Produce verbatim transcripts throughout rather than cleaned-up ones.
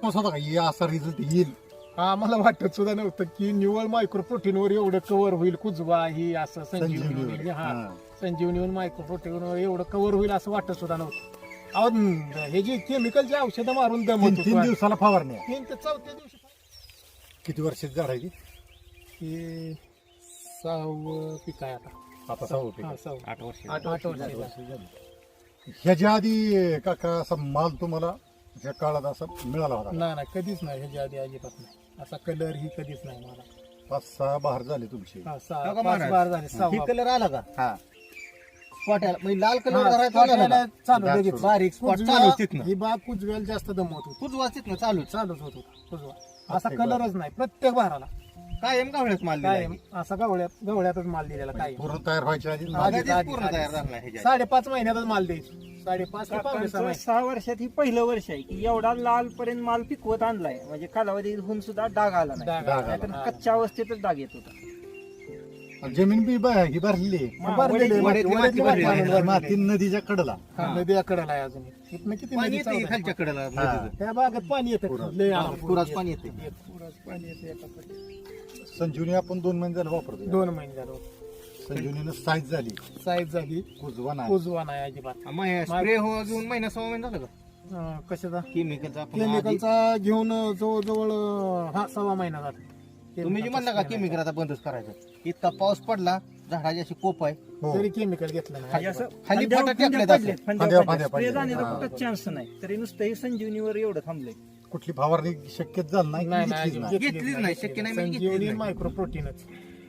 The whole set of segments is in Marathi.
विश्वास होता का हे असा रिझल्ट येईल? आम्हाला वाटत सुद्धा नव्हतं की निवळ मायक्रो प्रोटीनवर एवढं कव्हर होईल कुजवा ही असं संजीवनी होईल. हा संजीवनीवर मायक्रो प्रोटीनवर एवढं कव्हर होईल असं वाटत सुद्धा नव्हतं. अहो न- हे जे केमिकलची औषधं मारून तीन दमत तीन होतो दिवसाला फवारणी आहे. तीन ते चौथ्या दिवशी किती वर्षाची झाड आहे ती? हे सहावं पीक आहे आता. आता सहा होते. हा, सहावं. आठ वर्ष आठ आठ वर्षाचा. ह्याच्या आधी काका असा माल तुम्हाला ज्या काळात असा मिळाला होता? नाही नाही कधीच नाही ह्याच्या आधी अजिबात नाही. असा कलर ही कधीच नाही मला. पाच सहा बहार झाले तुमचे. हा, सहा हो का पाच महाराज? बार झाले ही सहा कलर आला का हा स्पॉट म्हणजे लाल हा, कलर spot चालू यायला चालू डाग लगेच. सुरू. बारीक स्पॉट कुजव्या- चालू तिथनं ही बाग कुजवेल जास्त दमवत होती. कुच वाचत ना चालू चालूच होत होता कुजवा. असा प्रत्येक कलरच नाही प्रत्येक भाराला कायम गावळ्यात माल काय दिलाय. असा गवळ्यात गवळ्यातच माल दिलेला काय पूर्ण तयार व्हायच्या आधी आधी- आधीच आधी- पूर्ण आधी. तयार झाला ह्याच्यात. साडेपाच महिन्यातच माल द्यायची. साडेपाच ते पावणे सहा काकांचं महिने. सहा वर्षात ही पहिलं वर्ष आहे की एवढा लाल पर्यंत माल पिकवत आणलाय म्हणजे कालावधी होऊन सुद्धा डाग आला नाही. डाग डाग आला. आला. नाहीतर कच्च्या अवस्थेतच डाग येत होता. जमीन बी ब- ही भरली आहे. हा, भरलेली आहे, वड्यातली वड्यातली माती माती भरलेली आणून माती भरलेली नदीच्या कडेला. आहे. हा, नदी आकडेला आहे अजून. इथनं किती पाणी नदी येते चालू खालच्या आहे? कडेला हा. नदीचं. त्या बागेत पाणी येतं पुरात. लय हा, आलं. पुरात पाणी येते. पुरात पाणी येतं एका पट्टीत. संजीवनी आपण दोन महिने झाले वापरतो. दोन महिने झालं संजीवनीनं साईज झाली, साईज झाली कुजवा नाही. कुजवा नाही अजिबात. मग स्प्रे हो घेऊन महिना सहा महिना झालं का अं, कशाचा केमिकलचा आपण आधी- केमिकलचा घेऊन जवळजवळ अं, हा सव्वा महिना झाला. तुम्ही जे म्हणला का केमिकल आता बंदच करायचं इतका पाऊस पडला झाडाची अशी कोप आहे हो. तरी केमिकल घेतलं म्हणजे नाही असं खाली फांद्या- फाटा फांद्या टाकल्यात पडलेत, असं. फांद्या फांद्या- पडल्यात. फांद्या स्प्रे जाण्याचा पडल्यात. कुठंच चान्स नाही तरी नुसतं हे संजीवनीवर एवढं थांबलंय. कुठली फवारणी शक्यच झालं नाही, नाही घेतलीच नाही नाही. घेतलीच नाही, शक्य नाही म्हणजे घेतलीच संजीवनी नाही. मायक्रो प्रोटीनच.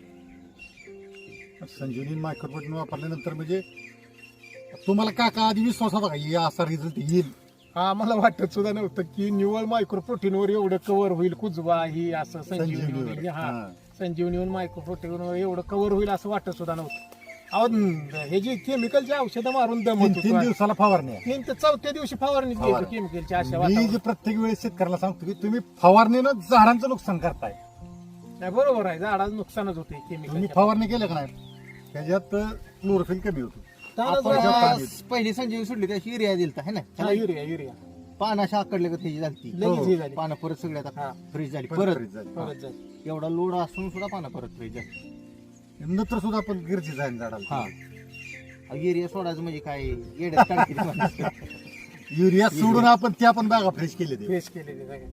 संजीवनी मायक्रोप्रोटीन वापरल्यानंतर म्हणजे तुम्हाला काका आधी विश्वास होता का हे असा रिझल्ट येईल? आम्हाला वाटत सुद्धा नव्हतं की निवळ मायक्रो प्रोटीनवर एवढं कव्हर होईल कुजवा ही असं संजीवनी संजीवनीवर. होईल. हा हा. संजीवनीवर मायक्रो प्रोटीनवर एवढं कव्हर होईल असं वाटत सुद्धा नव्हतं. अहो न- हे जे केमिकलची औषधं मारून तीन दमत तीन होतो. दिवसाला फवारणी आहे. तीन ते चौथ्या दिवशी फवारणी फवारणी. द्यायची केमिकलची अशा मी वातावरणात. जे प्रत्येक वेळेस शेतकऱ्याला सांगतो की तुम्ही फवारणीनं झाडांचं नुकसान करताय. नाही, बरोबर आहे झाडाचं नुकसानच होते तुम्ही केमिकल. फवारणी केलं का नाही त्याच्यात क्लोरोफिल कमी होतो. आपण ज्या जेव्हा पाण्यात- पहिली संजीवनी सोडली त्याशी युरिया दिलता है ना युरिया युरिया पान अशा आकडले का त्याची झाली लगेच हे झाली. पानं परत सगळी हा. आता फ्रीज झाली परत परत freeze झाली. परत जाईल. एवढा लोड असून सुद्धा पानं परत फ्रीज झाली नंतर सुद्धा आपण गरजेचं आहे झाडाला. हा युरिया सोडायचं म्हणजे काय येड्यात काढतील माणसं. युरिया सोडून आपण त्या पण बागा फ्रेश केले ते. फ्रेश केलेले सगळे.